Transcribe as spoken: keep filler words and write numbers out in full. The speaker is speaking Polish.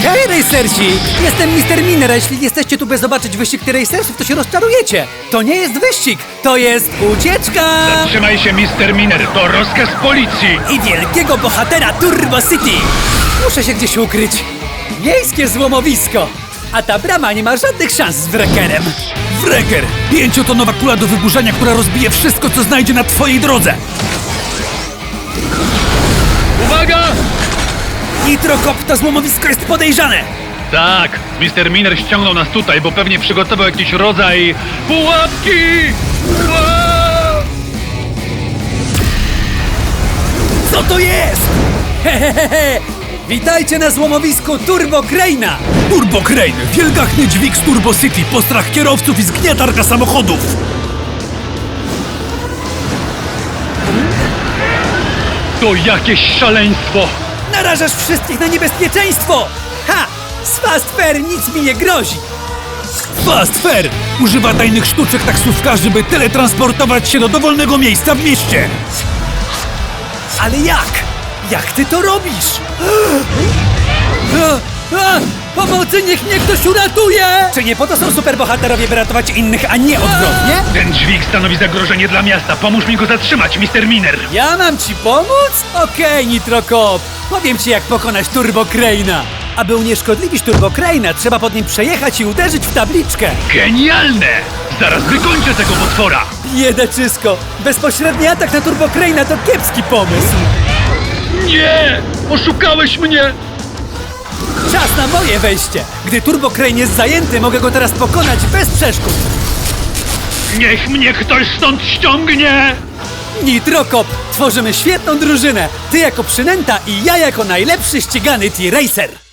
Hej, racersi! Jestem mister Miner, a jeśli jesteście tu by zobaczyć wyścig racersów, to się rozczarujecie. To nie jest wyścig, to jest ucieczka! Zatrzymaj się, mister Miner, to rozkaz policji! I wielkiego bohatera Turbo City! Muszę się gdzieś ukryć. Miejskie złomowisko! A ta brama nie ma żadnych szans z wrekerem. Wrecker! Pięciotonowa kula do wyburzania, która rozbije wszystko, co znajdzie na twojej drodze! Uwaga! Nitrokop, to złomowisko jest podejrzane! Tak, mister Miner ściągnął nas tutaj, bo pewnie przygotował jakiś rodzaj pułapki! Ua! Co to jest? Hehehe! Witajcie na złomowisku Turbo Crane'a! Turbo Crane! Wielgachny dźwig z Turbo City, postrach kierowców i zgniatarka samochodów! To jakieś szaleństwo! Narażasz wszystkich na niebezpieczeństwo! Ha! Z Fast Fair nic mi nie grozi! Fast Fair! Używa tajnych sztuczek taksówkarzy, by teletransportować się do dowolnego miejsca w mieście! Ale jak? Jak ty to robisz? A, a, pomocy, niech mnie ktoś uratuje! Czy nie po to są superbohaterowie, by ratować innych, a nie odwrotnie? Ten dźwig stanowi zagrożenie dla miasta. Pomóż mi go zatrzymać, mister Miner! Ja mam ci pomóc? Okej, Nitrokop. Powiem ci, jak pokonać Turbo Crane'a. Aby unieszkodliwić Turbo Crane'a, trzeba pod nim przejechać i uderzyć w tabliczkę. Genialne! Zaraz wykończę tego potwora! Biedaczysko, bezpośredni atak na Turbo Crane'a to kiepski pomysł. Nie! Oszukałeś mnie! Czas na moje wejście. Gdy Turbo Crane jest zajęty, mogę go teraz pokonać bez przeszkód. Niech mnie ktoś stąd ściągnie! Nitrokop, tworzymy świetną drużynę. Ty jako przynęta i ja jako najlepszy ścigany T-Racer.